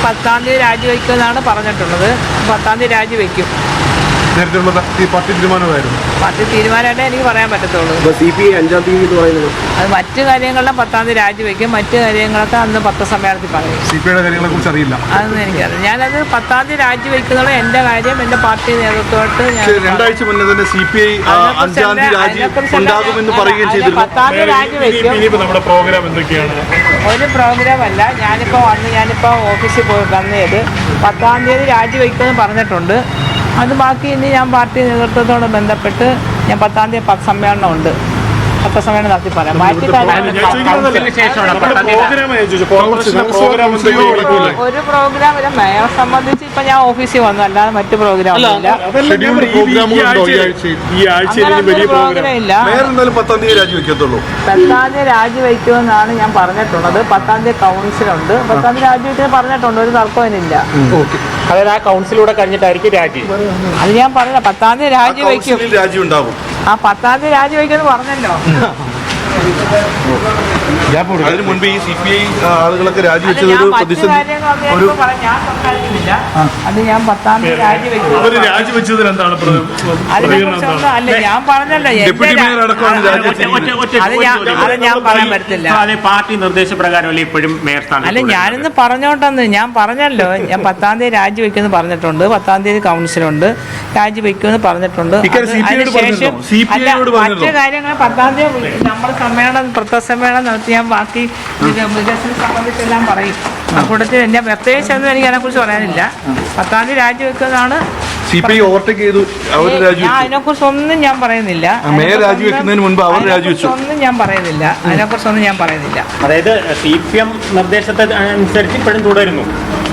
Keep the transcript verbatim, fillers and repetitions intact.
പത്താം തീയതി രാജിവെക്കുമെന്നാണ് പറഞ്ഞിട്ടുള്ളത്. പത്താം തീയതി രാജിവെക്കും. നേരത്തെ പാർട്ടി തീരുമാനമായിരുന്നു. പാർട്ടി തീരുമാനമായിട്ടേ എനിക്ക് പറയാൻ പറ്റത്തുള്ളൂ. സി പി ഐ അഞ്ചാം തീയതി എന്ന് പറയുന്നത് അത് മറ്റു കാര്യങ്ങളിലും പത്താം തീയതി രാജിവെക്കും. മറ്റു കാര്യങ്ങളൊക്കെ അന്ന് പത്രസമ്മേളനത്തിൽ പറയും. സി പി ഐയുടെ കാര്യങ്ങളെ കുറിച്ച് അറിയില്ല. അതൊന്നും എനിക്കറിയാം. ഞാനത് പത്താം തീയതി രാജിവെക്കുന്നത് എൻ്റെ കാര്യം, എൻ്റെ പാർട്ടി നേതൃത്വമായിട്ട് ഞാൻ രണ്ടാഴ്ച മുന്നേ തന്നെ സി പി ഐ അഞ്ചാം തീയതി രാജി ഉണ്ടാകുമെന്ന് പറയുകയും ചെയ്തിരുന്നു. പത്താം തീയതി രാജിവെക്കും. നമ്മുടെ പ്രോഗ്രാം എന്തൊക്കെയാണ്? ഒരു പ്രോഗ്രാം അല്ല. ഞാനിപ്പോൾ വന്ന് ഞാനിപ്പോൾ ഓഫീസിൽ പോയി വന്നത് പത്താം തീയതി രാജിവെക്കുമെന്ന് പറഞ്ഞിട്ടുണ്ട്. അത് ബാക്കി ഇനി ഞാൻ പാർട്ടി നേതൃത്വത്തോട് ബന്ധപ്പെട്ട് ഞാൻ പത്താം തീയതി സമ്മേളനം ഉണ്ട്. പത്രസമ്മേളനം നടത്തി പറയാം. ബാക്കി ഒരു പ്രോഗ്രാം ഇല്ല. മേയറെ സംബന്ധിച്ച് ഇപ്പൊ ഞാൻ ഓഫീസിൽ വന്നു, അല്ലാതെ മറ്റു പ്രോഗ്രാം ഇല്ല. പ്രോഗ്രാം ഇല്ല. പത്താം തീയതി രാജിവെക്കത്തുള്ളൂ. പത്താം തീയതി രാജിവെക്കുമെന്നാണ് ഞാൻ പറഞ്ഞിട്ടുള്ളത്. പത്താം തീയതി കൗൺസിലുണ്ട്. പത്താം തീയതി രാജിവെക്കാൻ പറഞ്ഞിട്ടുണ്ട്. ഒരു തർക്കമില്ല. അതായത് ആ കൗൺസിലൂടെ കഴിഞ്ഞിട്ടായിരിക്കും രാജി. അത് ഞാൻ പറഞ്ഞ പത്താം തീയതി രാജിവെക്കും. രാജി ഉണ്ടാവും. ആ പത്താം തീയതി രാജിവെക്കുമെന്ന് പറഞ്ഞല്ലോ. അതിന് മുൻപ് ഈ സി പി ഐ ആളുകളൊക്കെ രാജിവെച്ചത് ഒരു പ്രതിസന്ധി. അത് ഞാൻ പത്താം തീയതി രാജിവെക്കും. രാജിവെച്ചതിൽ എന്താണ് അല്ല, ഞാൻ പറഞ്ഞല്ലോ. അത് ഞാൻ പറയാൻ പറ്റില്ല. പാർട്ടി നിർദ്ദേശപ്രകാരം ഇപ്പോഴും മേയർ സ്ഥാനം. അല്ല, ഞാനിന്ന് പറഞ്ഞോട്ടെന്ന് ഞാൻ പറഞ്ഞല്ലോ. ഞാൻ പത്താം തീയതി രാജിവെക്കുമെന്ന് പറഞ്ഞിട്ടുണ്ട്. പത്താം തീയതി കൗൺസിലുണ്ട്. രാജിവെക്കുമെന്ന് പറഞ്ഞിട്ടുണ്ട്. അതിനുശേഷം അല്ല, മറ്റു കാര്യങ്ങൾ പത്താം തീയതി നമ്മൾ സമ്മേളനം പത്രസമ്മേളനം നടത്തി ഞാൻ ബാക്കി വികസനം സംബന്ധിച്ചെല്ലാം പറയും. ആ കൂട്ടത്തിൽ എന്നെ പ്രത്യേകിച്ച് ഒന്നും എനിക്ക് അതിനെക്കുറിച്ച് പറയാനില്ല. പത്താം തീയതി രാജിവെക്കുന്നതാണ്. അതിനെക്കുറിച്ച് ഒന്നും ഞാൻ പറയുന്നില്ല. രാജിവെക്കുന്നതിന് മുൻപ് അവർ രാജിവെച്ചു. ഒന്നും ഞാൻ പറയുന്നില്ല. അതിനെക്കുറിച്ചൊന്നും ഞാൻ പറയുന്നില്ല. അതായത് സി പി എം നിർദ്ദേശത്തെ അനുസരിച്ച് ഇപ്പോഴും തുടരുന്നു.